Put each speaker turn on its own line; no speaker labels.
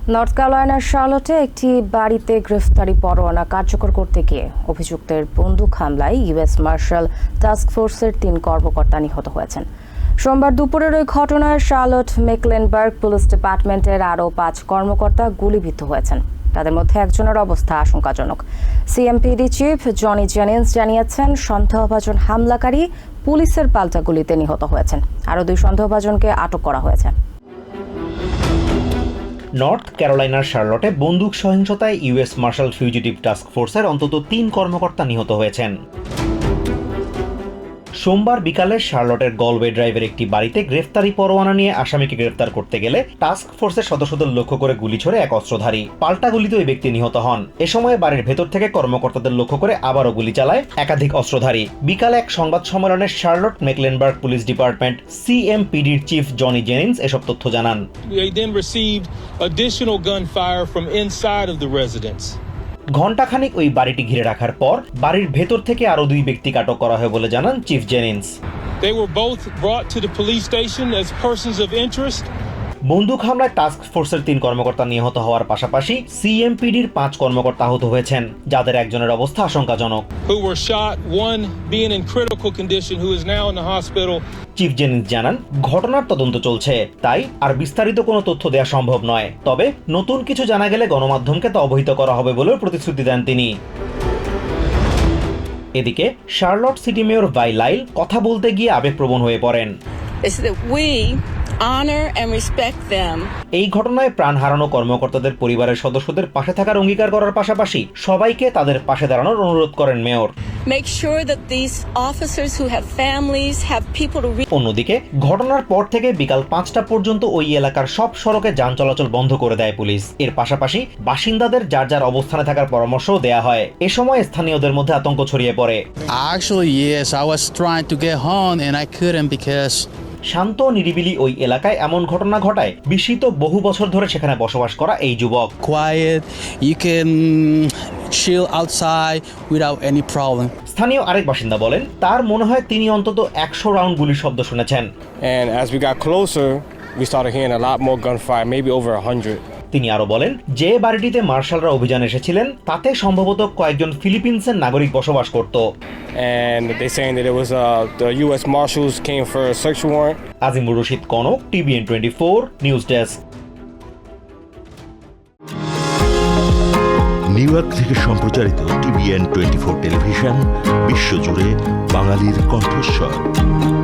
North ক্যারোলাইনার শার্লটে একটি বাড়িতে গ্রেফতারি পরোয়ানা কার্যকর করতে গিয়ে অভিযুক্তের বন্দুক হামলায় ইউএস মার্শাল টাস্ক ফোর্সের 3 কর্মকর্তা নিহত হয়েছেন। সোমবার দুপুরের ওই ঘটনায় শার্লট মেকলেনবার্গ পুলিশ ডিপার্টমেন্টের আরও 5 কর্মকর্তা গুলিবিদ্ধ হয়েছেন। তাদের মধ্যে একজনের অবস্থা আশঙ্কাজনক। সিএমপিডি চিফ জনি জেনিন্স জানিয়েছেন, সন্দেহভাজন হামলাকারী পুলিশের পাল্টা গুলিতে নিহত হয়েছেন। আরও 2 সন্দেহভাজনকে আটক করা হয়েছে।
নর্থ ক্যারোলাইনার শার্লটে বন্দুক সহিংসতায় ইউএস মার্শাল ফিউজিটিভ টাস্ক ফোর্সের অন্তত 3 কর্মকর্তা নিহত হয়েছেন। সোমবার বিকালে শার্লটের গলওয়ে ড্রাইভের একটি বাড়িতে গ্রেফতারি পরোয়ানা নিয়ে আসামিকে গ্রেফতার করতে গেলে টাস্ক ফোর্সের সদস্যদের লক্ষ্য করে গুলি ছোড়ে এক অস্ত্রধারী। পাল্টা গুলিতে ওই ব্যক্তি নিহত হন। এ সময় বাড়ির ভেতর থেকে কর্মকর্তাদের লক্ষ্য করে আবারও গুলি চালায় একাধিক অস্ত্রধারী। বিকালে এক সংবাদ সম্মেলনে শার্লট মেকলেনবার্গ পুলিশ ডিপার্টমেন্ট সিএমপিডির চিফ জনি জেনিন্স এসব তথ্য জানান।
They then received additional gunfire from inside of the residence.
ঘণ্টাখানিক ওই বাড়িটি ঘিরে রাখার পর বাড়ির ভেতর থেকে আরও 2 ব্যক্তিকে আটক করা হয় বলে জানান chief Jennings.
They were both brought to the police station as persons of interest.
বন্দুক হামলায় টাস্ক ফোর্সের 3 কর্মকর্তা নিহত হওয়ার পাশাপাশি সিএমপিডির 5 কর্মকর্তা আহত হয়েছেন, যাদের একজনের অবস্থা আশঙ্কাজনক।
Who were shot, one being in critical condition who is now in the hospital.
Chief Jennings জানান, ঘটনার তদন্ত চলছে, তাই আর বিস্তারিত কোনো তথ্য দেওয়া সম্ভব নয়। তবে নতুন কিছু জানা গেলে গণমাধ্যমকে তা অবহিত করা হবে বলেও প্রতিশ্রুতি দেন তিনি। এদিকে শার্লট সিটি মেয়র ভাই লাইল কথা বলতে গিয়ে আবেগপ্রবণ হয়ে পড়েন।
honor and respect them.
এই ঘটনায় প্রাণ হারানো কর্মকর্তাদের পরিবারের সদস্যদের পাশে থাকার অঙ্গীকার করার পাশাপাশি সবাইকে তাদের পাশে দাঁড়ানোর অনুরোধ করেন mayor.
Make sure that these officers who have families have people to reach.
অন্যদিকে ঘটনার পর থেকে বিকাল 5টা পর্যন্ত ওই এলাকার সব সড়কে যান চলাচল বন্ধ করে দেয় পুলিশ। এর পাশাপাশি বাসিন্দাদের যার যার অবস্থানে থাকার পরামর্শও দেয়া হয়। এ সময় স্থানীয়দের মধ্যে আতঙ্ক ছড়িয়ে পড়ে।
Actually, yes, I was trying to get home and I couldn't because
শান্ত নিরিবিলি ওই এলাকায় এমন ঘটনা ঘটায় বিস্মিত বহু বছর ধরে সেখানে বসবাস করা এই যুবক।
quiet, you can chill outside without any problem.
স্থানীয় আরেক বাসিন্দা বলেন, তার মনে হয় তিনি অন্তত 100 রাউন্ড গুলির শব্দ শুনেছেন।
And as we got closer, we started hearing a lot more gunfire, maybe over 100.
তিনি আরো বলেন, যে বাড়িটিতে মার্শালরা অভিযান এসেছিলেন তাতে সম্ভবত কয়েকজন ফিলিপিন্সের নাগরিক বসবাস করত।
And they saying that it was the U.S. Marshals came for a search warrant.
Azimur Rashid Kanak, TVN 24 news desk.
New York থেকে সম্প্রচারিত TVN 24 টেলিভিশন বিশ্বজুড়ে বাঙালির কণ্ঠস্বর।